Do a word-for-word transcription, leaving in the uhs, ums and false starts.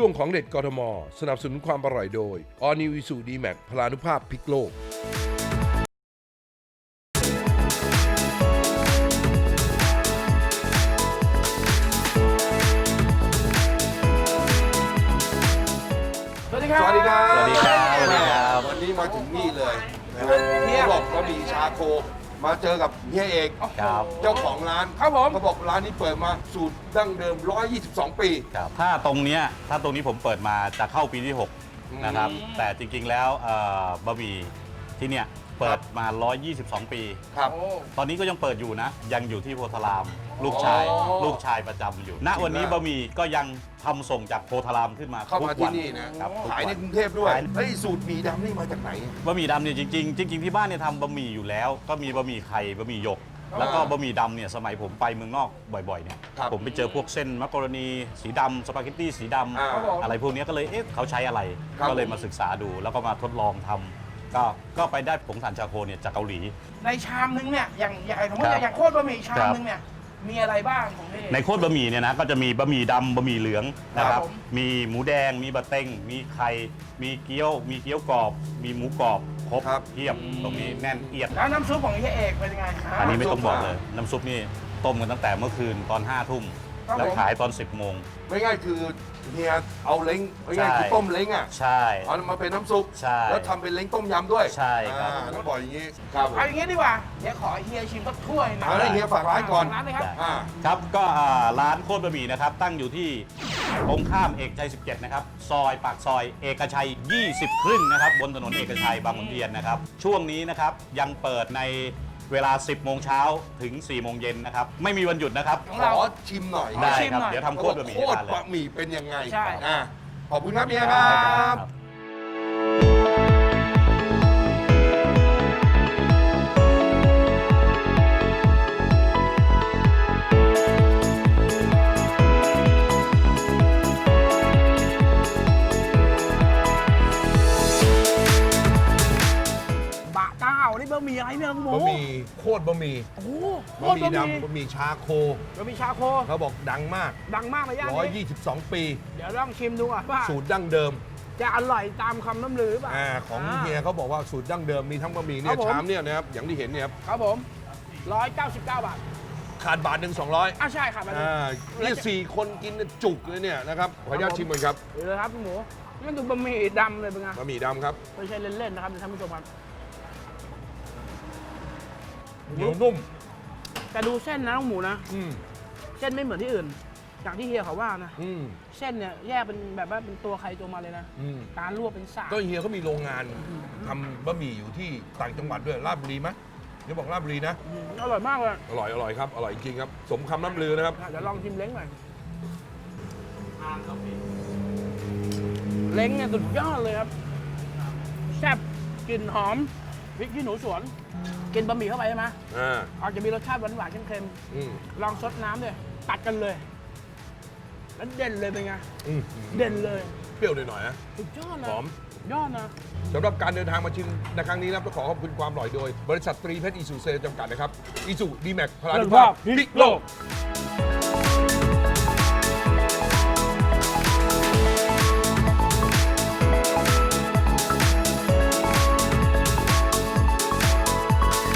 ช่วงของเด็ดกทมสนับสนุนความอร่อยโดย All New Isuzu D-Max พลานุภาพพลิกโลกสวัสดีครับสวัสดีครับสวัสดีครับสวัสดีครับวันนี้มาถึงนี่เลยนะครับเขาบอกว่ามีชาโคมาเจอกับเฮียเอกครับเจ้าของร้านครับผมเขาบอกร้านนี้เปิดมาสูตรดั้งเดิมหนึ่งร้อยยี่สิบสองปีครับถ้าตรงเนี้ยถ้าตรงนี้ผมเปิดมาจะเข้าปีที่หกอืมนะครับ แต่จริงๆแล้วเอ่อบะหมี่ที่เนี่ยเปิดมา หนึ่งร้อยยี่สิบสอง ปีครับโอ้ตอนนี้ก็ยังเปิดอยู่นะ ยังอยู่ที่โพธาราม ลูกชายอ๋อลูกชายประจำอยู่ ณ วันนี้บะหมี่ก็ยังทำส่งจากโพธารามขึ้นมาเข้ามาทุกที่วันนี่นะครับทุกขายในวันกรุงเทพด้วยขายเฮ้ยสูตรหมี่ดำนี่มาจากไหนบะหมี่ดำเนี่ยจริงๆจริงๆที่บ้านเนี่ยทำบะหมี่อยู่แล้ว ก็มีบะหมี่ไข่บะหมี่หยก แล้วก็บะหมี่ดำเนี่ยสมัยผมไปเมืองนอกบ่อยๆเนี่ยครับผมไปเจอพวกเส้นมักกะโรนีสีดำสปาเกตตี้สีดอ่าำอะไรพวกเนี้ยก็เลยเอ๊ะเขาใช้อะไรครับก็เลยมาศึกษาดู แล้วก็มาทดลองทำก็ก็ไปได้ผงถ่านชาโคเนี่ยจากเกาหลีในชามนึงเนี่ยอย่างอย่างสมมติครับอย่างโคตรบะหมี่ชามนึงเนี่ยมีอะไรบ้างของพี่ในโคตรบะหมี่เนี่ยนะก็จะมีบะหมี่ดำบะหมี่เหลืองนะคครัรับบ ผมมีหมูแดงมีบะเต็งมีไข่มีเกี๊ยว มีเกี๊ยวกรอบ มีหมูกรอบครบครับเทียบตรงนี้แน่นเอียดแล้วน้ำซุปของพี่เอกเป็นยังไงอันนี้ไม่ต้องบอกน้ำซุปเลย น้ำซุปนี่ต้มกันตั้งแต่เมื่อคืนตอนห้าทุ่มครับแล้วผมขายตอนสิบโมงไม่ง่ายคือเฮียเอาเล้งไม่ง่ายใช่คือต้มเล้งอ่ะใช่เอามาเป็นน้ำซุปใช่แล้วทำเป็นเล้งต้มยำด้วยใช่ครับอ่าต้องบอกอย่างนี้ครับผมเอาอย่างงี้ดีกว่าเดี๋ยวขอเฮียชิมสักถ้วยหนะเอาได้เฮียฝากร้านก่อนฝร้านเลยครับอ่าครับก็อ่าร้านโคตรบะหมี่นะครับ ตั้งอยู่ที่ตรงข้ามเอกชัย สิบเจ็ด นะครับ ซอยปากซอยเอกชัย ยี่สิบ ครึ่งนะครับ บนถนนเอกชัยบางขุนเทียนนะครับ ช่วงนี้นะครับยังเปิดในเวลา สิบ โมงเช้าถึง สี่ โมงเย็นนะครับ ไม่มีวันหยุดนะครับของขเราอชิมหน่อยได้ชิมครับหน่อยเดี๋ยวทำโคตรบะหมี่โคให้ตทาร นเลยบะหมี่เป็นยังไงใช่อ่าขอบคุณครับเฮียครับบะเต้านี่บะหมี่อะไรเนี่ยคุณหมูบะหมี่โคตรบะหมี่โอ้โหโคบะตหรมี่บะหมี่ดำบะหมี่ชาโคบะหมี่ชาโคเขาบอกดังมากดังมากเลยย่านนี้หนึ่งร้อยยี่สิบสอง ปีเดี๋ยวลองชิมดูอ่ะว่าสูตรดั้งเดิมจะอร่อยตามคำน้ำลือป่ะอ่าของาเฮียเขาบอกว่าสูตรดั้งเดิมมีทั้งบะหมี่เนี่ครัยบผมชามเนี่ยนะครับอย่างที่เห็นเนี่ยครับครับผมร้อยเก้าสิบเก้าบาทขาดบาทหนึ่งสองร้อยอ่ะใช่ครับอันนี้อ่าเนี่ยสี่คนกินจุกเลยเนี่ยนะครับขออนุญาตชิมก่อนครับเดี๋ยวเลยครับคุณหมูมันดูบะหมี่ดำเลยเป็นไงบะหมี่ดำครับไม่ใช่เล่นๆนะครับท่านผู้ชมครับเหนียวนุ่มแต่ดูเส้นนะน้องหมูนะอืมเส้นไม่เหมือนที่อื่นอย่างที่เฮียเขาว่านะอืมเส้นเนี่ยแยกเป็นแบบว่าเป็นตัวใครตัวมาเลยนะอืมการลวกเป็นสากก็เฮียเขามีโรงงานทำบะหมี่อยู่ที่ต่างจังหวัดด้วยราชบุรีไหมเดี๋ยวบอกราชบุรีนะอืมอร่อยมากเลยอร่อยอร่อยครับอร่อยจริงครับ สมคำน้ำลือนะครับเดี๋ยวลองชิมเล้งหน่อยเล้งเนี่ยสุดยอดเลยครับแซ่บกลิ่นหอมพริกขี้หนูสวน กินบะหมี่เข้าไปใช่ไหมอ่าอาจจะมีรสชาติหวานๆเค็มอืมๆลองซดน้ำด้วยตัดกันเลย แล้วเด่นเลยเป็นไงอืมเด่นเลยเปรี้ยวหน่อยๆนะสุดยอดนะหอมยอดนะสำหรับการเดินทางมาชิมในครั้งนี้นะครับต้องขอขอบคุณความอร่อยโดย บริษัทตรีเพชรอีซูเซจำกัดนะครับอีซูดีแม็กพลานุภาพพลิกโลกค